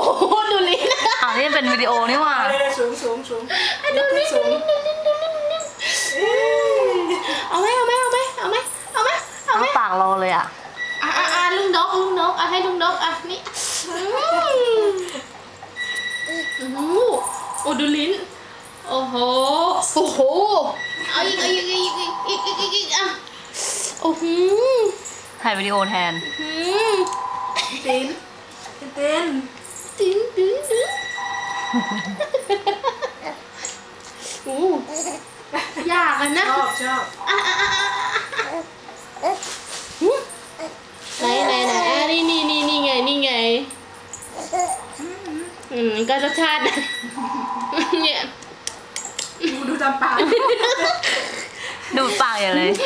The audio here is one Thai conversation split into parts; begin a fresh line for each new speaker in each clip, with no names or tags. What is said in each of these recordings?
หดูลิ้น
นี่เป็นวิดีโอนี่ว่า
สูง
ดูลิ้นเอาไหม
ปากรอเลยอ่ะ
ลุงนกให้ลุงนกนี่โอ้ดูลิ้นโอ้โหเอาอีกโอ้โห
ถ่ายวิดีโอแทน
ตีน
โอ้ยากเลยนะ
ชอบ
ไหนนี่ไงก็รสชาติเนี่ย
ดูตามปาก
ดูปากอย่างเลย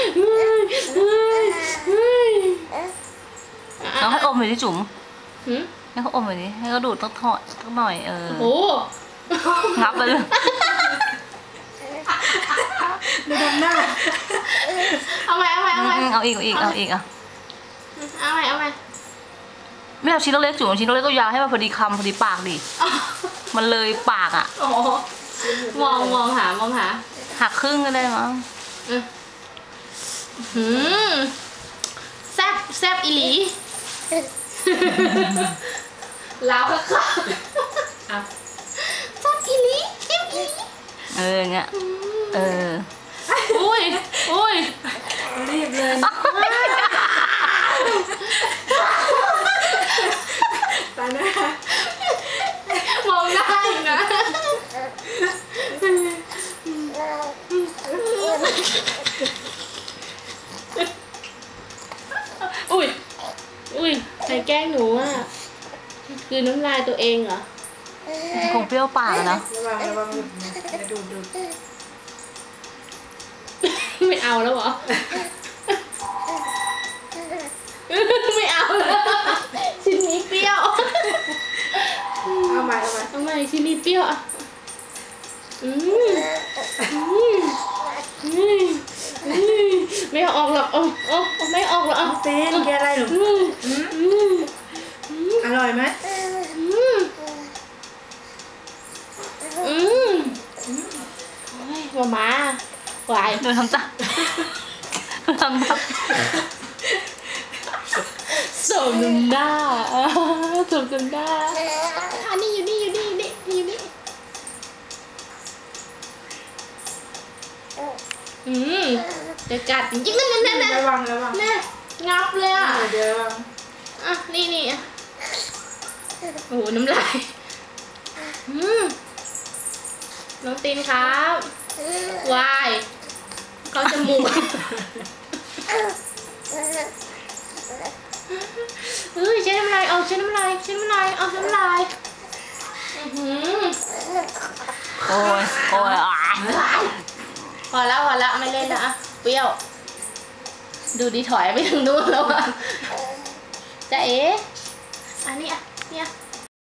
น้องให้อมหน่อยดิจุ๋มให้เขาอมหน่อยดิให้เขาดูดต้องถอดต้องหน่อย
โอ้
งับไปเลย
ดูดำหน้า
เอาใหม่
เอาอีกเอาใหม่ไม่เอาชิ้นเล็กจุ๋มชิ้นเล็กก็ยาวให้มันพอดีคำพอดีปากดิมันเลยปากอ่ะ
มองหา
หักครึ่งก็ได้มั้ง
แซ่บอีหลีลาวค่ะแซ่บอีหลี
เงี้ย
อุ้ย
รีบเลยตาหน้าม
องหน้าอีกนะอุ้ยใครแกล้งหนูอ่ะคือน้ำลายตัวเองเหรอ
คงเปรี้ยวปากนะ
ระวังดู
ไม่เอาแล้วเหรอไม่เอาแล้วชิ้นนี้เปรี้ยว
เอาใหม่
ชิ้นนี้เปรี้ยวไม่ออกหรอกไม่ออกหรอก
เป็นแกอะไรหนูอร่อยไหม
มาไหว
โดนทำตา
สมหน้าอันนี้อยู่นี่จะกัดจริงๆนั่น
ระวัง
งับเลย
เดี๋ยว
นี่โอ้โหน้ำลายน้องตีนครับวายเขาจมูกใช้น้ำลายเอาใช้น้ำลาย
โอ้ย
พอแล้วไม่เล่นนะเปรี้ยวดูดิถอยไปทางนู้นแล้วอ่ะจ๊ะเอ๋อันนี้เนี่ย